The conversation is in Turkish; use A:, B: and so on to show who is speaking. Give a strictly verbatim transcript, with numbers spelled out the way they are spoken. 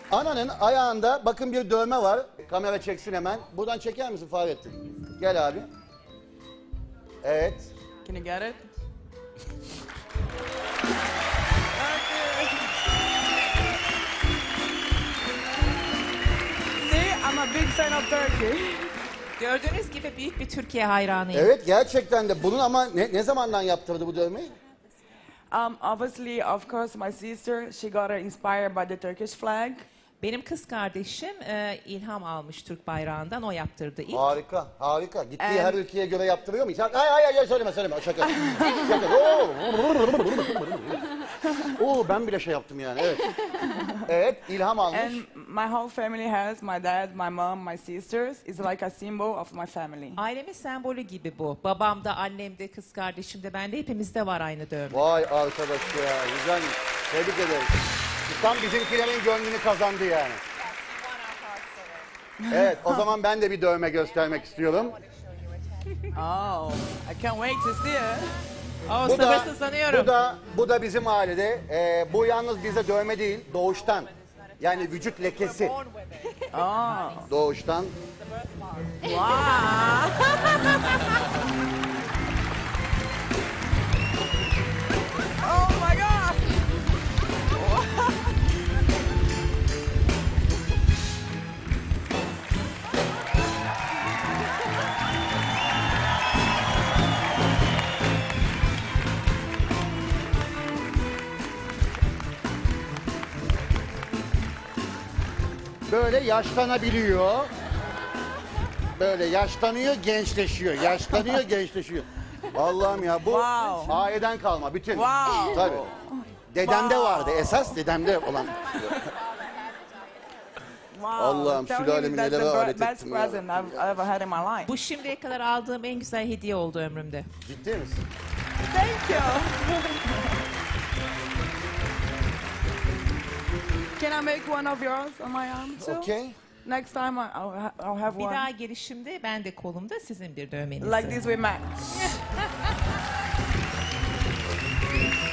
A: Ananın ayağında bakın bir dövme var. Kamera çeksin hemen. Buradan çeker misin Fahrettin? Gel abi. Evet.
B: Can you get it? See, I'm a big fan of Turkey.
C: Gördüğünüz gibi büyük bir Türkiye hayranıyım.
A: Evet gerçekten de bunun ama ne, ne zamandan yaptırdı bu dövmeyi?
B: Um, obviously, of course, my sister, she got her inspired by the Turkish flag.
C: Benim kız kardeşim e, ilham almış Türk bayrağından, o yaptırdı ilk.
A: Harika, harika. Gittiği
B: Em-
A: her ülkeye göre yaptırıyor mu? Ay ay ay ay, söyleme söyleme şaka. Şaka. Oo. Oo ben bile şey yaptım yani. Evet. Evet, ilham almış.
B: And my whole family has, my dad, my mom, my sisters, is like a symbol of my family.
C: Ailemin sembolü gibi bu. Babam da, annem de, kız kardeşim de, bende, hepimizde var aynı dövme.
A: Vay arkadaş ya, güzelmiş. Tebrik ederim. Tam bizimkilerin gönlünü kazandı yani. Evet, o zaman ben de bir dövme göstermek istiyorum.
B: Oh, I can't wait to see it.
C: Oh,
A: Bu da,
C: sabırsızlanıyorum.
A: bu da, bu da bizim ailede. Ee, bu yalnız bize dövme değil, doğuştan. Yani vücut lekesi.
B: Oh,
A: Doğuştan.
B: wow. Oh my God.
A: Böyle yaşlanabiliyor. Böyle yaşlanıyor, gençleşiyor. Yaşlanıyor, gençleşiyor. Allah'ım ya bu
B: Wow.
A: aileden kalma bütün.
B: Wow.
A: Tabii. Dedemde
B: Wow.
A: vardı esas dedemde olan.
B: Wow.
A: Allah'ım,
B: Tell
A: sülalemi
B: me that's
A: nelere
B: the
A: alet
B: best
A: ettim ya.
B: present I've ever had in my life.
C: Bu şimdiye kadar aldığım en güzel hediye oldu ömrümde.
A: Ciddi misin?
B: Thank you. Can I make one of yours on my arm too?
A: Okay.
B: Next time I- I'll, ha- I'll have
C: Bir
B: one.
C: daha gelişimde ben de kolumda, sizin bir dövmeniz.
B: Like this we match.